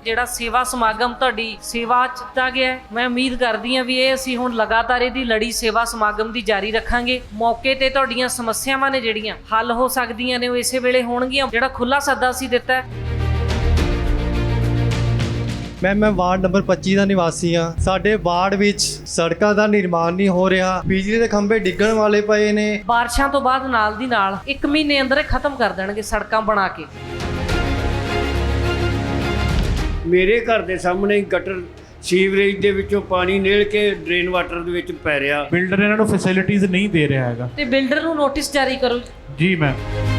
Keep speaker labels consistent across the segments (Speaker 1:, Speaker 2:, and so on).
Speaker 1: ਜਿਹੜਾ ਸੇਵਾ ਸਮਾਗਮ ਤੁਹਾਡੀ ਸੇਵਾ ਚ ਦਿੱਤਾ ਗਿਆ। ਮੈਂ ਉਮੀਦ ਕਰਦੀ ਹਾਂ ਵੀ ਇਹ ਅਸੀਂ ਹੁਣ ਲਗਾਤਾਰ ਇਹਦੀ ਲੜੀ ਸੇਵਾ ਸਮਾਗਮ ਦੀ ਜਾਰੀ ਰੱਖਾਂਗੇ। ਮੌਕੇ ਤੇ ਤੁਹਾਡੀਆਂ ਸਮੱਸਿਆਵਾਂ ਨੇ ਜਿਹੜੀਆਂ ਹੱਲ ਹੋ ਸਕਦੀਆਂ ਨੇ ਉਹ ਇਸੇ ਵੇਲੇ ਹੋਣਗੀਆਂ। ਜਿਹੜਾ ਖੁੱਲਾ ਸੱਦਾ ਅਸੀਂ ਦਿੱਤਾ ਹੈ।
Speaker 2: ਮੈਂ ਵਾਰਡ ਨੰਬਰ 25 ਦਾ ਨਿਵਾਸੀ ਹਾਂ। ਸਾਡੇ ਵਾਰਡ ਵਿੱਚ ਸੜਕਾਂ ਦਾ ਨਿਰਮਾਣ ਨਹੀਂ ਹੋ ਰਿਹਾ, ਬਿਜਲੀ ਦੇ ਖੰਭੇ ਡਿੱਗਣ ਵਾਲੇ ਪਏ ਨੇ।
Speaker 1: ਬਾਰਿਸ਼ਾਂ ਤੋਂ ਬਾਅਦ ਨਾਲ ਦੀ ਨਾਲ 1 ਮਹੀਨੇ ਅੰਦਰ ਇਹ ਖਤਮ ਕਰ ਦੇਣਗੇ ਸੜਕਾਂ ਬਣਾ ਕੇ।
Speaker 3: ਮੇਰੇ ਘਰ ਦੇ ਸਾਹਮਣੇ ਗਟਰ ਸੀਵਰੇਜ ਦੇ ਵਿੱਚੋਂ ਪਾਣੀ ਨਿਕਲ ਕੇ ਡਰੇਨ ਵਾਟਰ ਦੇ ਵਿੱਚ ਪੈ ਰਿਹਾ।
Speaker 4: ਬਿਲਡਰ ਇਹਨਾਂ ਨੂੰ ਫੈਸਿਲਿਟੀਜ਼ ਨਹੀਂ ਦੇ ਰਿਹਾ ਹੈਗਾ
Speaker 1: ਤੇ ਬਿਲਡਰ ਨੂੰ ਨੋਟਿਸ ਜਾਰੀ ਕਰੋ
Speaker 4: ਜੀ। ਮੈਂ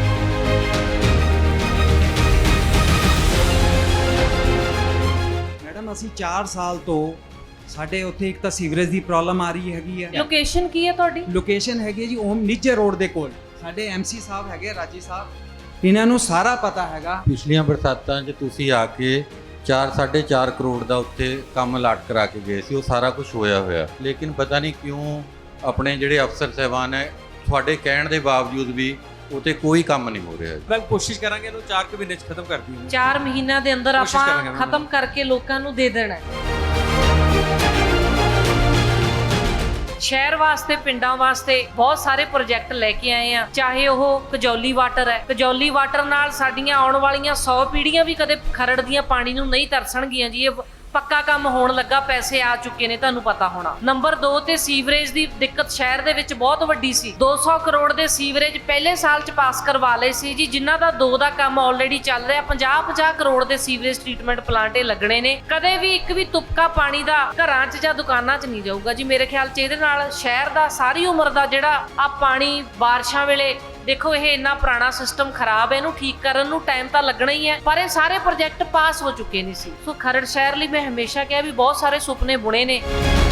Speaker 5: ਅਸੀਂ 4 ਸਾਲ ਤੋਂ ਸਾਡੇ ਉੱਥੇ ਇੱਕ ਤਾਂ ਸੀਵਰੇਜ ਦੀ ਪ੍ਰੋਬਲਮ ਆ ਰਹੀ ਹੈਗੀ ਹੈ।
Speaker 1: ਲੋਕੇਸ਼ਨ ਕੀ ਹੈ ਤੁਹਾਡੀ?
Speaker 5: ਲੋਕੇਸ਼ਨ ਹੈਗੀ ਹੈ ਜੀ ਓਮ ਨਿੱਜਰ ਰੋਡ ਦੇ ਕੋਲ। ਸਾਡੇ ਐਮਸੀ ਸਾਹਿਬ ਹੈਗੇ ਰਾਜੀ ਸਾਹਿਬ, ਇਹਨਾਂ ਨੂੰ ਸਾਰਾ ਪਤਾ ਹੈਗਾ।
Speaker 6: ਪਿਛਲੀਆਂ ਬਰਸਾਤਾਂ 'ਚ ਤੁਸੀਂ ਆ ਕੇ 4.5 ਕਰੋੜ ਦਾ ਉੱਥੇ ਕੰਮ ਲਾਟ ਕਰਾ ਕੇ ਗਏ ਸੀ। ਉਹ ਸਾਰਾ ਕੁਝ ਹੋਇਆ ਲੇਕਿਨ ਪਤਾ ਨਹੀਂ ਕਿਉਂ ਆਪਣੇ ਜਿਹੜੇ ਅਫਸਰ ਸਹਿਬਾਨ ਹੈ ਤੁਹਾਡੇ ਕਹਿਣ ਦੇ ਬਾਵਜੂਦ ਵੀ ਉਤੇ ਕੋਈ ਕੰਮ ਨਹੀਂ ਹੋ ਰਿਹਾ।
Speaker 7: ਮੈਂ ਕੋਸ਼ਿਸ਼ ਕਰਾਂਗੇ ਇਹਨੂੰ 4 ਮਹੀਨੇ 'ਚ ਖਤਮ ਕਰ ਦਈਏ।
Speaker 1: 4 ਮਹੀਨਿਆਂ ਦੇ ਅੰਦਰ ਆਪਾਂ ਖਤਮ ਕਰਕੇ ਲੋਕਾਂ ਨੂੰ ਦੇ ਦੇਣਾ ਹੈ। ਸ਼ਹਿਰ ਵਾਸਤੇ, ਪਿੰਡਾਂ ਵਾਸਤੇ ਬਹੁਤ ਸਾਰੇ ਪ੍ਰੋਜੈਕਟ ਲੈ ਕੇ ਆਏ ਆ। ਚਾਹੇ ਉਹ ਕਜੌਲੀ ਵਾਟਰ ਹੈ, ਕਜੌਲੀ ਵਾਟਰ ਨਾਲ ਸਾਡੀਆਂ ਆਉਣ ਵਾਲੀਆਂ 100 ਪੀੜ੍ਹੀਆਂ ਵੀ ਕਦੇ ਖਰੜ ਦੀਆਂ ਪਾਣੀ ਨੂੰ ਨਹੀਂ ਤਰਸਣਗੀਆਂ ਜੀ। ਇਹ ਪੱਕਾ ਕੰਮ ਹੋਣ ਲੱਗਾ, ਪੈਸੇ ਆ ਚੁੱਕੇ ਨੇ, ਤੁਹਾਨੂੰ ਪਤਾ ਹੋਣਾ। ਨੰਬਰ 2 ਤੇ ਸੀਵਰੇਜ ਦੀ ਦਿੱਕਤ ਸ਼ਹਿਰ ਦੇ ਵਿੱਚ ਬਹੁਤ ਵੱਡੀ ਸੀ। 200 ਕਰੋੜ ਦੇ ਸੀਵਰੇਜ ਪਹਿਲੇ ਸਾਲ 'ਚ ਪਾਸ ਕਰਵਾ ਲਏ ਸੀ ਜੀ, ਜਿਨ੍ਹਾਂ ਦਾ 2 ਦਾ ਕੰਮ ਆਲਰੇਡੀ ਚੱਲ ਰਿਹਾ। 50 ਕਰੋੜ ਦੇ ਸੀਵਰੇਜ ਟ੍ਰੀਟਮੈਂਟ ਪਲਾਂਟ ਲੱਗਣੇ ਨੇ। ਕਦੇ ਵੀ ਇੱਕ ਵੀ ਤੁਪਕਾ ਪਾਣੀ ਦਾ ਘਰਾਂ 'ਚ ਜਾਂ ਦੁਕਾਨਾਂ 'ਚ ਨਹੀਂ ਜਾਊਗਾ ਜੀ। ਮੇਰੇ ਖਿਆਲ 'ਚ ਇਹਦੇ ਨਾਲ ਸ਼ਹਿਰ ਦਾ ਸਾਰੀ ਉਮਰ ਦਾ ਜਿਹੜਾ ਆ ਪਾਣੀ ਬਾਰਿਸ਼ਾਂ ਵੇਲੇ, ਦੇਖੋ ਇਹ ਇੰਨਾ ਪੁਰਾਣਾ ਸਿਸਟਮ ਖਰਾਬ ਹੈ, ਇਹਨੂੰ ਠੀਕ ਕਰਨ ਨੂੰ ਟਾਈਮ ਤਾਂ ਲੱਗਣਾ ਹੀ ਹੈ, ਪਰ ਇਹ ਸਾਰੇ ਪ੍ਰੋਜੈਕਟ ਪਾਸ ਹੋ ਚੁੱਕੇ ਨਹੀਂ ਸੀ। ਸੋ ਖਰੜ ਸ਼ਹਿਰ ਲਈ ਮੈਂ ਹਮੇਸ਼ਾ ਕਿਹਾ ਵੀ ਬਹੁਤ ਸਾਰੇ ਸੁਪਨੇ ਬੁਣੇ ਨੇ।